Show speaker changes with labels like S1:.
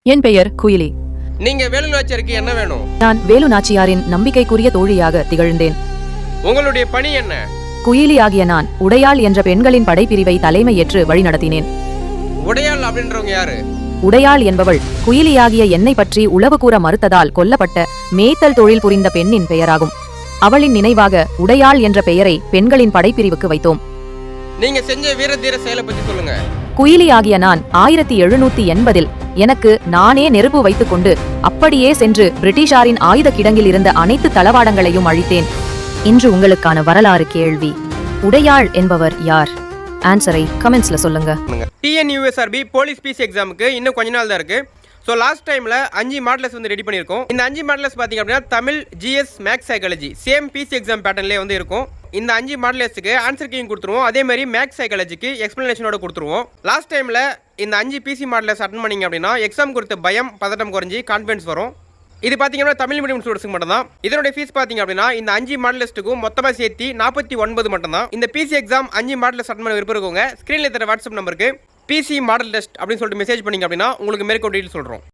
S1: என் பெயர் குயிலி.
S2: நீங்க வேலு நாச்சியாருக்கு என்ன வேணும்?
S1: நான் வேலு நாச்சியாரின் நம்பிக்கைக்குரிய தோழியாக திகழ்ந்தேன்.
S2: உங்களுடைய பணி என்ன?
S1: குயிலி ஆகிய நான் உடையாள் என்ற பெண்களின் படைப்பிரிவை தலைமையேற்று வழிநடத்தினேன்.
S2: உடையாள் அப்படின்றவங்க யாரு?
S1: உடையாள் என்பவள் குயிலியாகிய என்னை பற்றி உளவு கூற மறுத்ததால் கொல்லப்பட்ட மேய்த்தல் தொழில் புரிந்த பெண்ணின் பெயராகும். அவளின் நினைவாக உடையாள் என்ற பெயரை பெண்களின் படைப்பிரிவுக்கு வைத்தோம்.
S2: நீங்க செஞ்ச வீர தீர செயலை பத்தி சொல்லுங்க.
S1: குயிலி ஆகிய நான் 1780 எனக்கு நானே நெருப்பு வைத்துக் கொண்டு அப்படியே சென்று பிரிட்டிஷாரின் ஆயுத கிடங்கில் இருந்த அனைத்து தளவாடங்களையும் அழித்தேன். இன்று உங்களுக்கான வரலாறு கேள்வி, உடையாள் என்பவர் யார்? ஆன்சரை கமெண்ட்ஸ்ல சொல்லுங்க.
S2: TNUSRB போலீஸ் பிசி எக்ஸாமுக்கு இன்னும் கொஞ்ச நாள் தான் இருக்கு. ஸோ லாஸ்ட் டைமில் 5 மாடல்ஸ் வந்து ரெடி பண்ணியிருக்கோம். இந்த 5 மாடல்ஸ் பார்த்தீங்க அப்படின்னா Tamil, GS, maths, psychology same PC exam பேட்டர்ன்லேயே வந்து இருக்கும். இந்த 5 மாடல்ஸுக்கு ஆன்சர் கீயும் கொடுத்துருவோம். அதே மாதிரி மேக்ஸ், சைக்காலஜிக்கு எக்ஸ்பிளனேஷனோட கொடுத்துருவோம். லாஸ்ட் டைமில் இந்த 5 பிசி மாடல்ஸ் அட்டன் பண்ணிங்க அப்படின்னா எக்ஸாம் கொடுத்த பயம் பதட்டம் குறைஞ்சி கான்ஃபிடன்ஸ் வரும். இது பார்த்தீங்கன்னா தமிழ் மீடியம் ஸ்டூடெண்ட்ஸ்க்கு மட்டும் தான். இதனுடைய ஃபீஸ் பார்த்தீங்க அப்படின்னா இந்த 5 மாடலிஸ்ட்டுக்கும் மொத்தமாக சேர்த்து 49 மட்டும் தான். இந்த பிசி எக்ஸாம் 5 மாடல்ஸ் அட்டன் பண்ண விருப்பம் இருக்கவங்க ஸ்க்ரீனில் தர வாட்ஸ்அப் நம்பருக்கு பிசி மாடல் டெஸ்ட் அப்படின்னு சொல்லிட்டு மெசேஜ் பண்ணிங்க அப்படின்னா உங்களுக்கு மேற்கொண்டு டீட்டெயில் சொல்கிறோம்.